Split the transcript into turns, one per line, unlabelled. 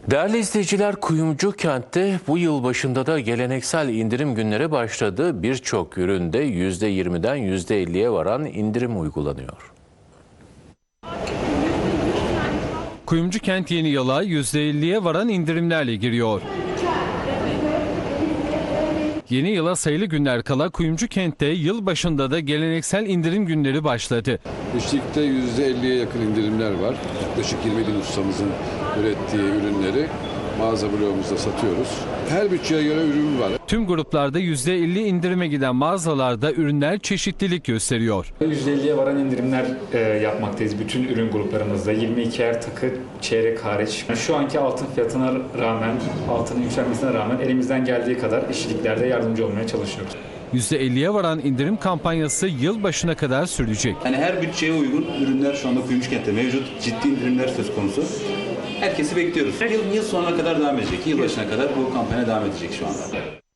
Değerli izleyiciler, Kuyumcu Kent'te bu yıl başında da geleneksel indirim günleri başladı. Birçok üründe %20'den %50'ye varan indirim uygulanıyor.
Kuyumcu Kent yeni yıla %50'ye varan indirimlerle giriyor. Yeni yıla sayılı günler kala Kuyumcu Kent'te yıl başında da geleneksel indirim günleri başladı.
İşlikte %50'ye yakın indirimler var. Yaklaşık 20 bin ustamızın ürettiği ürünleri mağaza bloğumuzda satıyoruz. Her bütçeye göre ürün var.
Tüm gruplarda %50 indirime giden mağazalarda ürünler çeşitlilik gösteriyor.
%50'ye varan indirimler yapmaktayız bütün ürün gruplarımızda. 22'er takı, çeyrek hariç. Şu anki altın fiyatına rağmen, altının yükselmesine rağmen elimizden geldiği kadar işçiliklerde yardımcı olmaya çalışıyoruz.
%50'ye varan indirim kampanyası yıl başına kadar sürecek.
Yani her bütçeye uygun ürünler şu anda Kuyumcu Kent'te mevcut. Ciddi indirimler söz konusu. Herkesi bekliyoruz. Yıl sonuna kadar devam edecek. Yılbaşına kadar bu kampanya devam edecek şu anda.